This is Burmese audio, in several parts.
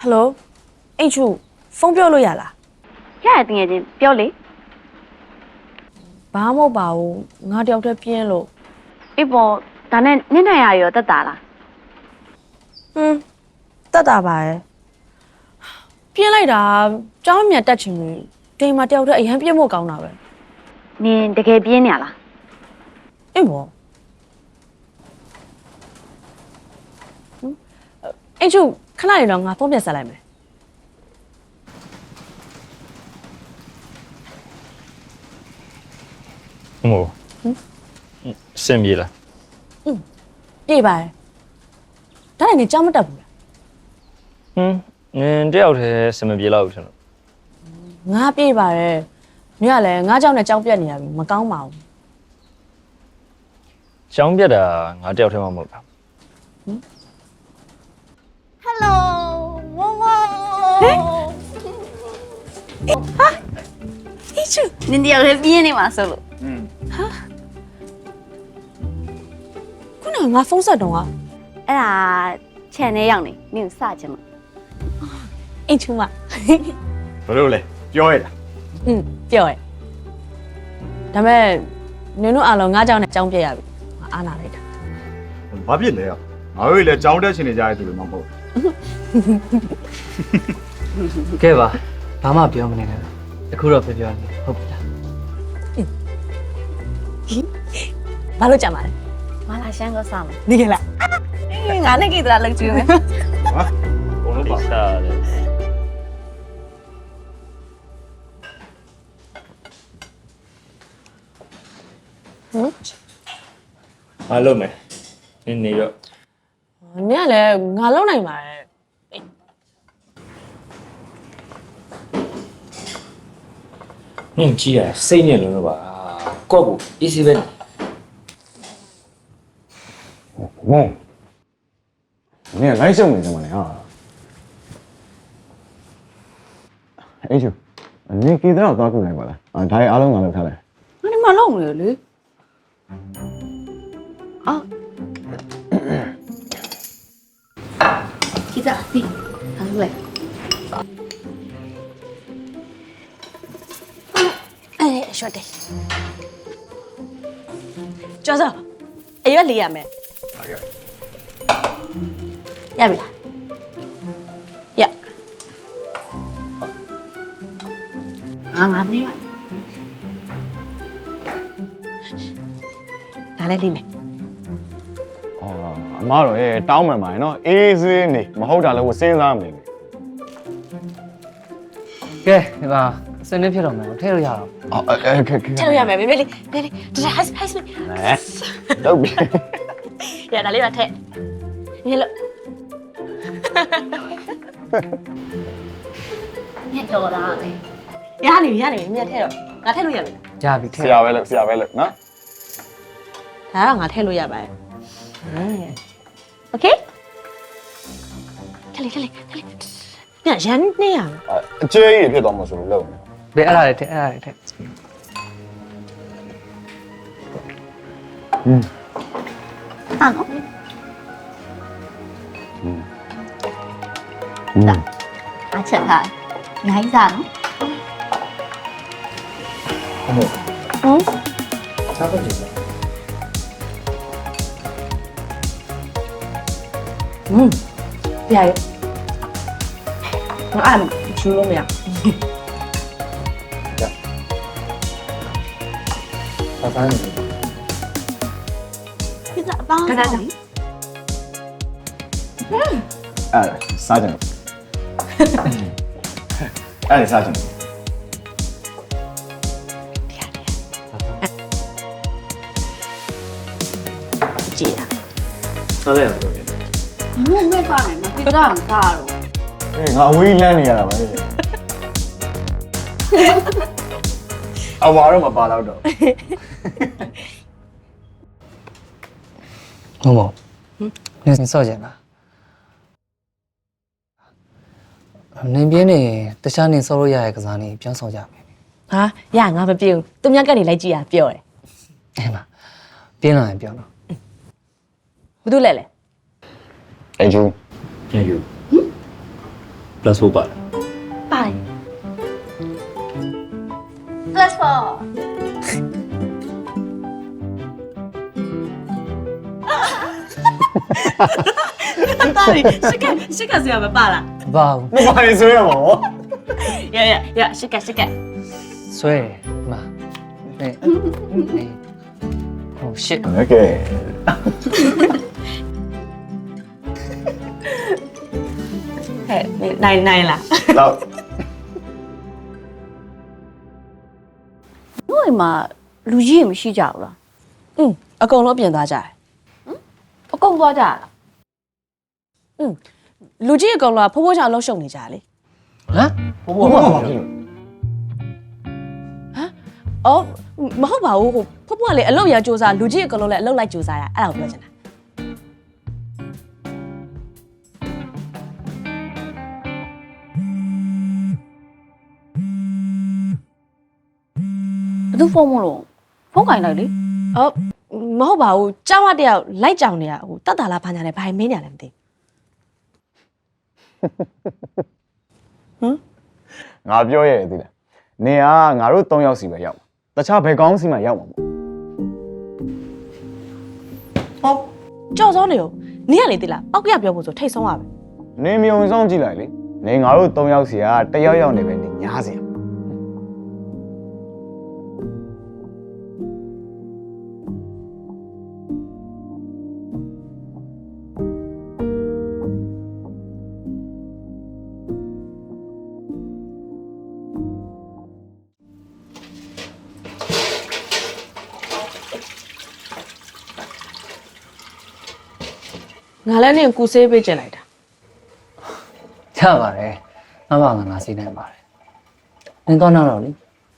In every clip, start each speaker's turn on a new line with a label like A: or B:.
A: Hello အိတ်ချူဖုန်းပြောလို့ရလား
B: ရရတင်ငယ်ချင်းပြောလေ
A: ဘာမှမဟုတ်ပါဘူးငါတယောက်တည်းပြင်းလို့
B: အေးပေါ်ဒါနဲ့ညနေရရောတက်တာလား
A: တက်တာပါရဲ့ပြင်းလိုက်တာကြောင်းမြန်တက်ချင်ပြီတိမ်မှာတယောက်တည်းအရန်ပြင်းဖို့ကောင်းတာပဲ
B: နင်တကယ်ပြင်းနေရလား
A: အေးဘောအိတ်ချူခဏနေတော့ငါဖုန်းပြန်ဆက်လိုက်မယ်
C: မို့စင်ပြေလား
A: ပြေးပါတယ်ဒါနဲ့နေကြောင်းမတက်ဘူးလား
C: နင်တယောက်တည်းစင်မပြေတော့ဘူးထင်လို့
A: ငါပြေးပါတယ်ညကလည်းငါကြောင်းနဲ့ကြောင်းပြက်နေရပြီမကောင်းပါဘူး
C: ကျောင်းပြတ်တာငါတယောက်တည်းမှမဟုတ်တာ
B: ဟယ်လိုဝဝဟာအေးချူနင်တယောက်လည်းပြင်းနေမှာဆိုလို့
A: ခုနကငါဖုန်းဆက်တော့က
B: အဲ့ဒါခြံထဲရောက်နေနင်စချင်လို့
A: အိတ်ချူမ
D: ဘယ်လိုလဲပြောရတာ
A: ပြောရဲဒါပေမဲ့နင်တို့အားလုံးငါကြောင်းနဲ့ကြောင်းပြက်ရပြီအာနာလိုက်တာ
D: ဘာဖြစ်လဲငါတို့လည်းကြောင်းတက်ရှင်နေကြတဲ့သူတွေမှမဟုတ်
E: ကဲပါဘာမှပြောမနေနဲ့အခုတော့ပြောနေဟုတ်ပြီလား
A: ဘာလို့ကြမှာလဲ
B: မလာရှမ်းကစားမယ်
A: နေလားငါနဲ့ကိတရာလောက်ကြည့်မယ်
D: ဟာဘုံလို့ပါ
C: စားတယ်အားလုံးမယ်နေတော့
A: နင်ကလည်းငါလုံနိုင်ပါတယ်
C: နင်ကြည့်ရစိတ်နဲ့လုံးတော့ပါကော့ကို easy ပဲ
D: မောင်နင်လိုက်ရှုံနေတယ်မလားအေးချူနင်ကိတရာတော့ခုနိုင်ပါလားဒါရီအားလုံးငါလောက်ထားလိုက်
A: ငါဒီမှာလုံနေလေ
B: 记得你拿出来
A: 哎说的ကျော်စောအရွက်လေးရမယ်
D: ဟုတ်ကဲ့
A: ရပြီလားရ
B: ငါမင်းပါ
A: ဒါလည်းလေးမယ်
D: အမတော့တောင်းမှန်ပါရဲ့နော်အေးစင်းနေမဟုတ်တာလည်းစဉ်းစားမနေနဲ့
E: ကဲဒီမှာစနေဖြစ်တော့မယ်ထည့်လို့ရတော့
D: ခက်
A: ထည့်လို့ရမယ်မေမေလေးမေလေးဒါဟိုက်ဟိုက်စ
D: တော့ပြီ
A: ရဒါလေးပါထည့်နေလို့
B: ညက်တော်တာပဲ
A: ရနေမြတ်ထည့်တော့ငါထည့်လို့ရပြီ
E: ရပြီထည့်
D: ဆရာပဲလို့နော်
A: ဒါတော့ငါထည့်လို့ရပါတယ်โอเคထည့်လေညရန်နေရ
D: အကျဲကြီးဖြစ်သွားမှာဆိုလို့လုပ်နေ
E: ဘယ်အဲ့ဒါလေးထည့်အဲ့ဒါလေးထည့်
B: ဟာနော်ဒါအချက်ထားနိုင်စားနော်
C: စားဖို့ကြည့်
A: ပြရငါအဲ့ချူလို့မရ
C: စားနေ
B: ပြစ်အပေါင်းစား
D: အဲ့စားကြတယ်အဲ့စားကြတယ်
A: ကြည့်ရ
C: စားလိုက်တော့
B: မင်းမဲ့ပါနေမှာပြစ်တာမစားတော့
D: ငါအဝေးလမ်းနေရတာပဲအဝါတော့မပါတော့
E: ဟုတ်ပါနင်စော့ကြလားနင်ပြင်းနေတခြားနင်စော့လို့ရတဲ့ကစားနေပြန်စော့ကြမယ်
A: ဟာရငါမပြေဘူးသူများကနေလိုက်ကြည့်ရပြောတယ်
E: အဲ့မှာပြင်းလာရင်ပြောတော့
A: ဘာလို့လဲ
D: အေးကျူ
C: ပြန်ယူ plus 4ပါတယ်
B: ပါတယ် plus 4
A: တာရီရှစ်ကစရာမပါလား
E: မပါဘူး
D: မပါရင်ဆွဲရမှာဗော
A: ရရှစ်က
E: ဆွဲတယ်ဒီမှာနေဟိုရှစ်
D: โอเค
A: ဟဲ့နိုင်လား
D: တော့
B: တို့အိမ်မှာလူကြီးမရှိကြဘူးလား
A: အကုန်လုံးပြင်သွားကြတယ်
B: အကုန်သွားကြလား
A: လူကြီးအကောင်လုံးကဖိုးဖိုးချောင်လှုပ်ရှုပ်နေကြလေ
E: ဟမ်
D: ဘောဘာဖြစ်လို့
A: အော်မဟုတ်ပါဘူးဟိုဖိုးဖိုးကလေအလုပ်ရစူးစားလူကြီးအကောင်လုံးလည်းအလုပ်လိုက်စူးစားတာအဲ့ဒါကိုပြောချင်တာ
B: ဘယ်သူဖုန်းမလို့ဖုန်းကင်လိုက်လေ
A: အော်မဟုတ်ပါဘူးကျောင်းကတယောက်လိုက်ကြောင်နေတာဟိုတတ်တာလားဘာညာလဲဘာမင်းညာလဲမသိ
D: ငါပြောရဲ့သိလားနေကငါတို့3ယောက်စီပဲရောက်တခြားဘယ်ကောင်းစီမှရောက်မှာမဟုတ်
A: ကြောက်စောနေရောနင်းကလေသိလားပောက်ကရပြောဖို့ဆိုထိတ်ဆုံးရပဲ
D: နေမြုံဆောင်ကြည့်လိုက်လေနေငါတို့3ယောက်စီကတယောက်ယောက်နေပဲနေညားစီ
A: ငါလည်းနင်းကူဆေးပေးကျင်လိုက်တာ
E: ချပါတယ်ငါစိတ်နိုင်ပါတယ်နင်တော့တော့လေ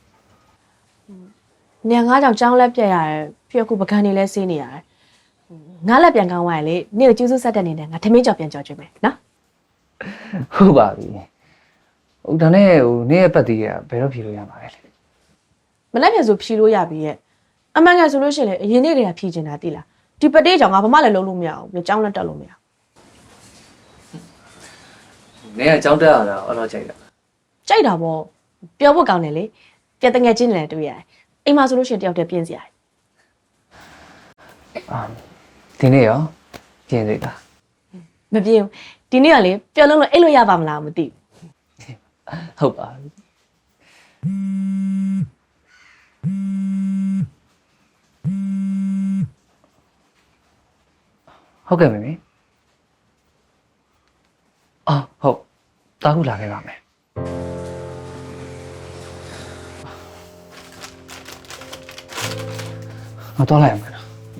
A: နင်ငါကြောင့်ကျောင်းလက်ပြက်ရတယ်ပြီးတော့ခုပကံနေလဲဆေးနေရတယ်ငါလက်ပြန်ကောင်းသွားရင်လေနင်ကိုကျူးစုဆက်တဲ့နေနဲ့ငါထမင်းကြော်ပြန်ကြော်ကျွေးမယ်နော်
E: ဟုတ်ပါပြီဟိုဒါနဲ့ဟိုနေ့ရဲ့ပတ်သေးရဘယ်တော့ဖြေလို့ရမှာလဲ
A: မလက်ပြန်ဆိုဖြီလို့ရပြီရဲ့အမှန်ကန်ဆိုလို့ရှိရင်လေအရင်နေ့တွေကဖြီကျင်တာတိလားဒီပတေးကြောင့်ငါဘာမှလည်းလုံးလို့မရအောင်ပြီးကျောင်းလက်တက်လို့မရ
E: နေ့ကအကြောင်းတက်ရတာအဲ့တော့ကြိုက်တာ
A: ကြိုက်တာပေါ့ပြောဖို့ကောင်းတယ်လေပြတငယ်ချင်းတွေလည်းတွေ့ရတယ်အိမ်မှာဆိုလို့ရှိရင်တယောက်တည်းပြင်းစရာ
E: ဒီနေ့ရောပြင်သေးတာ
A: မပြင်းဘူးဒီနေ့ကလေပျော်လုံးလို့အိတ်လို့ရပါမလားမသိဘူး
E: ဟုတ်ပါပြီဟုတ်ကဲ့မေမေအော်ဟုတ်တားခုလာခဲ့ပါမယ်ငါတော့လိုက်ရမယ်နော်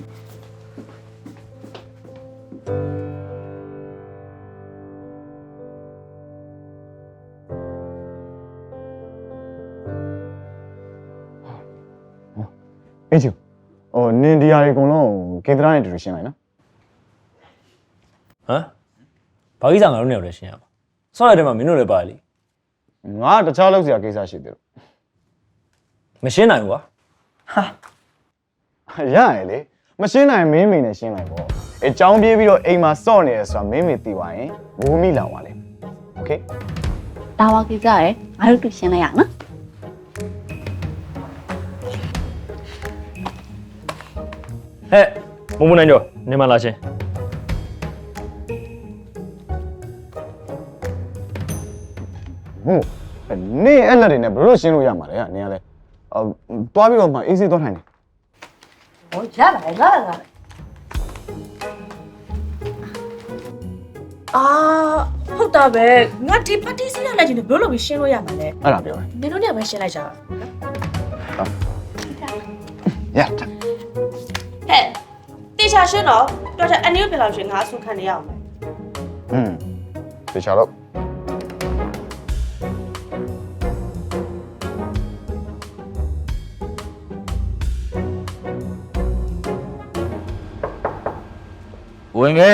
D: အေးချူဟိုနင်ဒီယာတွေအကုန်လုံးကေတရာနဲ့တူတူရှင်းလိုက်နော်
C: ဟမ်ဘာကြီးစားငါတို့နေရာလည်းရှင်းရမှာဆော့ရတဲ့မှာမင်းတို့လည်းပါလေ
D: ငါတခြားလောက်စရာကိစ္စရှိသေးလို့
C: မရှင်းနိုင်ဘူးကွာ
D: ရရလေမရှင်းနိုင်မင်းမိနဲ့ရှင်းလိုက်ပေါ့အကြောင်းပြေးပြီးတော့အိမ်မှာစော့နေရဆိုတာမင်းမိသိသွားရင်ဘူမိလောင်ပါလေโอเค
B: ဒါဝကိစ္စရယ်ငါတို့တူရှင်းလိုက်ရနော်
C: ဟဲ့မမနိုင်ကြောနေမလာရှင်း
D: ဟုတ်နေအဲ့လက်တွေနဲ့ဘယ်လိုရှင်းလို့ရမှာလဲဟာနင်ကလည်းတွားပြီးတော့မှအေးစေးသွားထိုင်နေ
A: ဟောရပါတယ်ငါအာဟုတ်တာပဲငါဒီပတိစီရလိုက်ချင်းဘယ်လိုလုပ်ပြီးရှင်းလို့ရမှာလဲ
D: အဲ့ဒါပြောတယ်
A: နင်တို့ညပဲရှင်းလိုက်ကြပါ
D: ရ
A: ဟဲ့တေချာရှင်းတော့တော်တော်အနည်းပြန်လောက်ရှင်းငါအဆုခံနေရအောင်မယ်
D: တေချာတော့
C: ဝင်ခဲ့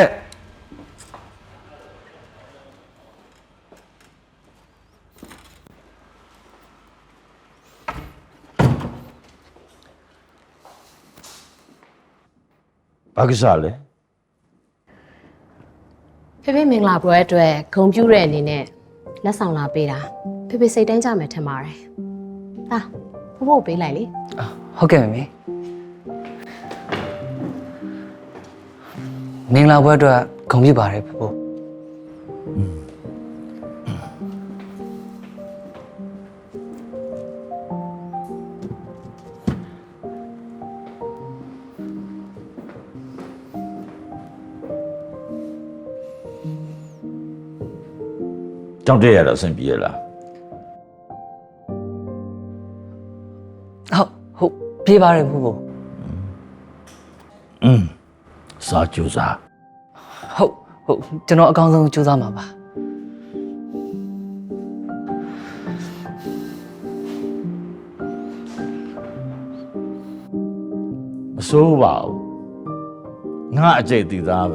F: ဘာကိစ္စလဲ
G: ဖေဖေမင်္ဂလာပွဲအတွက်ဂုံပြူတဲ့အနေနဲ့
A: လက်ဆောင်လာပေးတာဖေဖေစိတ်တိုင်းကြမယ်ထင်ပါတယ်ဟာဖိုးဖိုးပေးလိုက်လေ
E: ဟုတ်ကဲ့မေမင်္ဂလာပွဲအတွက်ဂုဏ်ပြုပါတယ်ဖို့
F: ကြောက်တဲ့ရတော့အဆင်ပြေရလား
E: ဟုတ်ပြေးပါတယ်ဖို့
F: စာကြိုးစား
E: ဟုတ်ကျွန်တော်အကောင်းဆုံးကြိုးစားမှာပါ
F: မစိုးပါဘူးငါအကျိတ်တည်သားပဲ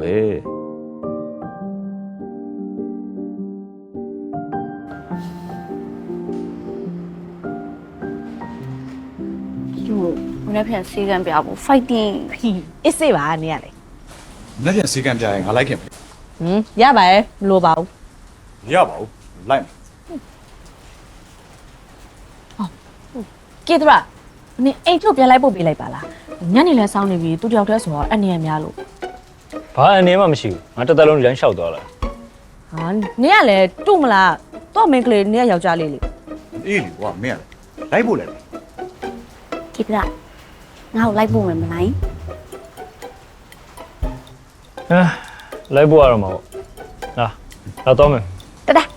B: ကျို့ဘယ်နဲ့ပြန်စီကံပြဖို့ fighting
A: အစ်စေးပါနေရလေ
G: လက်ပြန်စီကံပြရင်ငါလိုက်ခင်ပြီ
A: ရပါရဲ့မလိုပါဘူး
G: မရပါဘူးလိုက်မယ်
A: ကေတရာနင်အိတ်ထုတ်ပြန်လိုက်ပို့ပေးလိုက်ပါလားညနေလဲစောင်းနေပြီသူတယောက်တည်းဆိုတော့အနေရများလို့
C: ဘာအနေမှမရှိဘူးငါတစ်သက်လုံးလမ်းလျှောက်သွားလာ
A: ဟာနင်ကလည်းတူမလားတော့မင်းကလေးနင်ကယောက်ျားလေးလေ
G: အေးလေကွာမင်းကလိုက်ဖို့လဲ
B: ကိတရာငါ့ကိုလိုက်ဖို့မယ်မလား
C: လိုက်ဖို့ရတော့မှာပေါ့လာတော့မယ်
B: တဒါ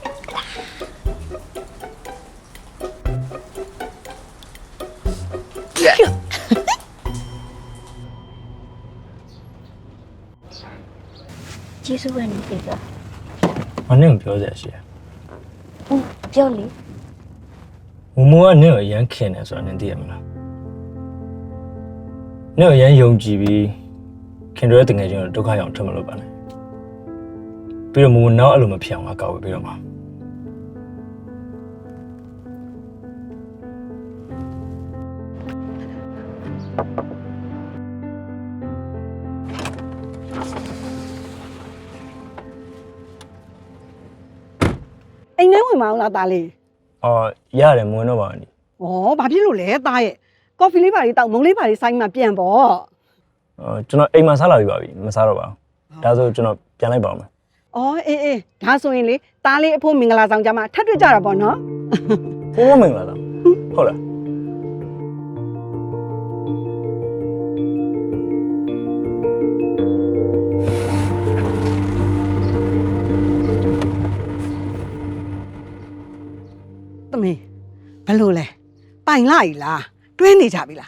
B: ကျေးဇူးပဲနေကိတရာ
C: မနဲ့ပြောစရာရှိတယ်
B: ပြောလေ
C: မမိုးကနင့်ကိုအရန်ခင်တယ်ဆိုတာနင်သိရမလားနင့်ကိုအရန်ယုံကြည်ပြီးခင်တို့ရဲ့တငယ်ချင်းကိုဒုက္ခရောက်ထွက်မလို့ပါနဲ့ပြီးတော့မမိုးနောက်အဲ့လိုမဖြစ်အောင်ငါကောက်ဝေးပြီးတော့မှာ
H: အိမ်ထဲဝင်မအောင်လားသားလေး
C: အော်ရတယ်မဝင်တော့ပါဘူး
H: ။ဩဘာဖြစ်လို့လဲသားရဲ့ကော်ဖီလေးပါလေးတောက်မုံလေးပါလေးဆိုင်မှပြန်ပေါ့
C: ကျွန်တော်အိမ်မှာစားလာပြီပါပြီမစားတော့ပါဘူးဒါဆိုကျွန်တော်ပြန်လိုက်ပါဦးမယ်
H: ။ဩအေးဒါဆိုရင်လေသားလေးအဖို့မင်္ဂလာဆောင်ကြမှာထပ်တွေ့ကြတာပေါ့နော်
C: ဖိုးဖိုးမင်္ဂလာဆောင်ဟုတ်လား
H: ။သမီးဘယ်လိုလဲပိုင်လိုက်လားတွဲနေကြပြီလား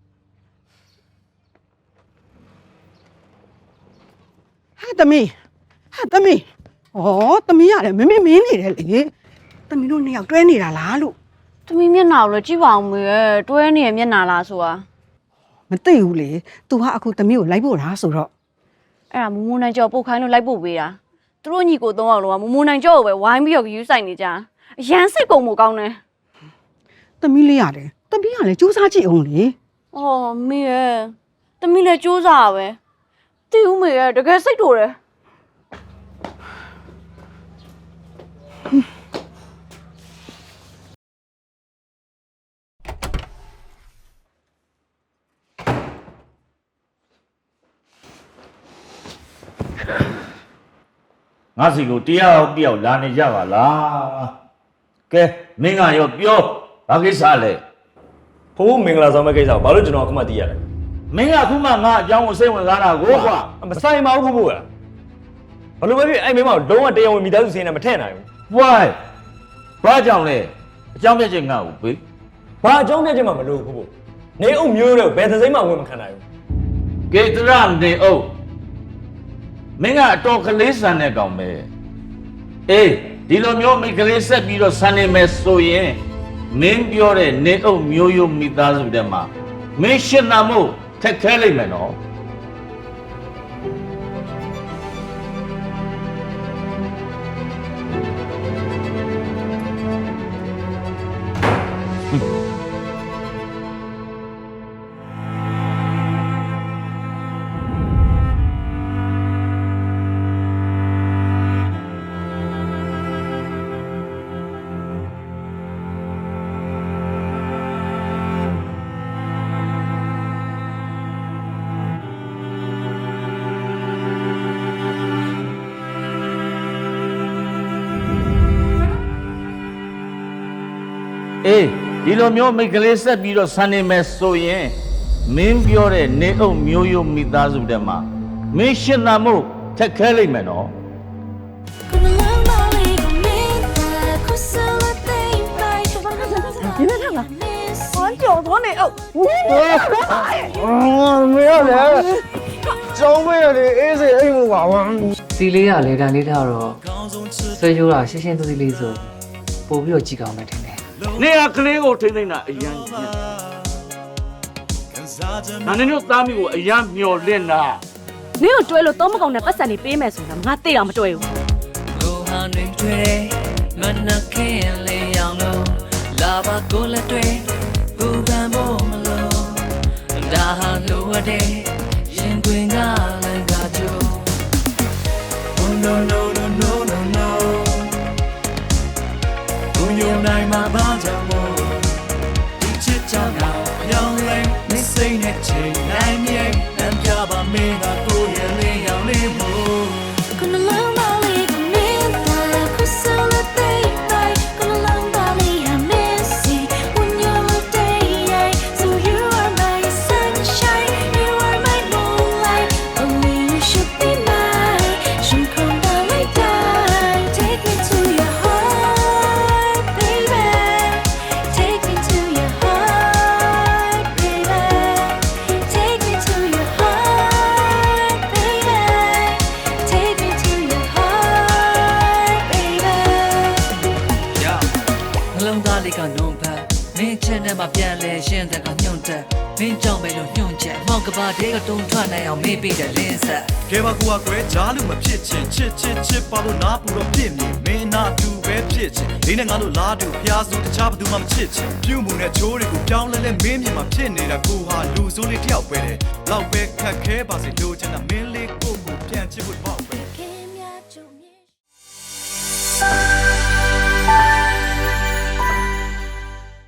H: ။ဟာသမီးဩသမီးရတယ်မင်းနေတယ်လေ။သမီးတို့နှစ်ယောက်တွဲနေတာလားလို့
B: သမီးမျက်နှာကိုလည်းကြည့်ပါအောင်မေရဲ့တွဲနေရမျက်နှာလားဆိုတာ
H: မသိဘူးလေ။ तू ဟာအခုသမီးကိုလိုက်ဖို့လားဆိုတော့
B: အဲ့ဒါမမိုးနိုင်ကျော်ပုတ်ခိုင်းလို့လိုက်ပို့ပေးတာသူတို့ညီကို၃ယောက်လုံးကမမိုးနိုင်ကျော်ကိုပဲဝိုင်းပြီးတော့ယူဆိုင်နေကြအရန်စိတ်ကုန်မှုကောင်းတယ်
H: သမီးလေးရတယ်သမီးကလည်းစူးစမ်းကြည့်အောင်လေ
B: အော်မေရဲ့သမီးလည်းစူးစားပဲတီဦးမေရဲ့တကယ်စိတ်တူတယ်
F: ငါစီကိုတယောက်လာနေကြပါလားကဲမင်းကရောပြောဘာကိစ္စလဲ
C: ဖိုးဖိုးမင်္ဂလာဆောင်မဲ့ကိစ္စကိုဘာလို့ကျွန်တော်အခုမှသိရလဲ
F: မင်းကအခုမှငါအကြောင်းကိုစိတ်ဝင်စားတာကိုကွာ
C: မဆိုင်ပါဘူးဖိုးဖိုးကဘလို့ပဲဖြစ်အဲ့မိမကိုလုံးဝတရားဝင်မိသားစုစင်းနဲ့မထည့်နိုင်ဘူး
F: why ဘာကြောင့်လဲအကြောင်းပြချက်ငါ့ကိုပေး
C: ဘာအကြောင်းပြချက်မှမလို့ဖိုးဖိုးနေအုပ်မျိုးတွေကိုဘယ်သစိမ့်မှဝင်မခံနိုင်ဘူး
F: ကေတရနေအုပ်မင်းကအတော်ကလေးဆန်တဲ့ကောင်ပဲအေးဒီလိုမျိုးမိကလေးဆက်ပြီးတော့ဆန်နေမယ်ဆိုရင်မင်းပြောတဲ့နေအုပ်မျိုးရိုးမိသားစုတဲ့မှာမင်းရှင်းနာမို့ထက်ခဲလိုက်မယ်နော်
C: ဟ
F: အေးဒီလိုမျိုးမိတ်ကလေးဆက်ပြီးတော့ဆန်နေမယ်ဆိုရင်မင်းပြောတဲ့နေအုပ်မျိုးရိုးမိသားစုတည်းမှာမင်းရှင်းတာမို့ထက်ခဲလိမ့်မယ်နော်
H: ဒီနေ့ကဟောကြော်သွားနေအောင်
D: မရလေကျောင်းမေးရတယ်အေးစေအိမ်မပါဘူး
E: စီလေးကလေတန်လေးထားတော့ဆွဲရိုးတာရှင်းရှင်းသေးသေးလေးဆိုပို့ပြီးတော့ကြည့်ကောင်းမယ်ထင်တယ်
F: နေရကလေးကိုထိမ့်သိမ့်တာအရန်ကြီးနာနေတို့သားမိကိုအရန်မျောလင့်တာ
A: နင်းကိုတွဲလို့တော့မကောင်းတဲ့ပတ်စံနေပေးမယ်ဆိုတာငါသိအောင်မတွဲဘူး
I: ကိုဟာနေတွေ့မနခင်လေးရောင်လို့လာပါကိုလက်တွေ့ဘူပန်မို့မလို့ဒါဟာလိုအပ်တဲ့ရင်တွင်ကလည်းကကြို Oh no no no no no no ကိုယုံနိုင်မှာဘာကြောင့်မို့ဒီချစ်ကြောင့်တော့ရောင်းလဲမစိမ့်နဲ့ချိန်နိုင်မြေတမ်းပြပါမင်းကကိုရဲ့လေးရောင်လေးမို့
J: Gonna learn Bali, gonna learn Bali, I miss you when you're day. So you are my sunshine, you are my moonlight. Only you should be mine. Should come down like that. Take me to your heart, baby. Take me to your heart, baby. Take me to your heart, baby. Take me to your heart, baby.
I: နှလုံးသားလေးကနှုံဖက်မင်းချစ်နဲ့မှပြန်လဲရှင်းတဲ့ကညွန့်တက်မင်းကြောင့်ပဲလို့ညွန့်ချက်မောက်ကဘာတဲကတုံးထွက်နိုင်အောင်မေးပေးတဲ့လင်းဆက်
G: ကဲပါကူကကွယ်ကြားလို့မဖြစ်ချင်ချစ်ချစ်ချစ်ပါလို့နားပူတော့ဖြစ်မြင်မင်းနာတူပဲဖြစ်ချင်လေးနဲ့ငါတို့လားတူဖျားစုတခြားဘသူမှမချစ်ချင်ပြုမှုနဲ့ချိုးတွေကိုပြောင်းလဲလဲမင်းမြင်မှာဖြစ်နေတာကိုဟာလူစိုးလေးတယောက်ပဲတဲ့လောက်ပဲခက်ခဲပါစေလို့ချင်တာမင်းလေးကိုပြန်ချစ်ဖို့ပေါ့ပဲ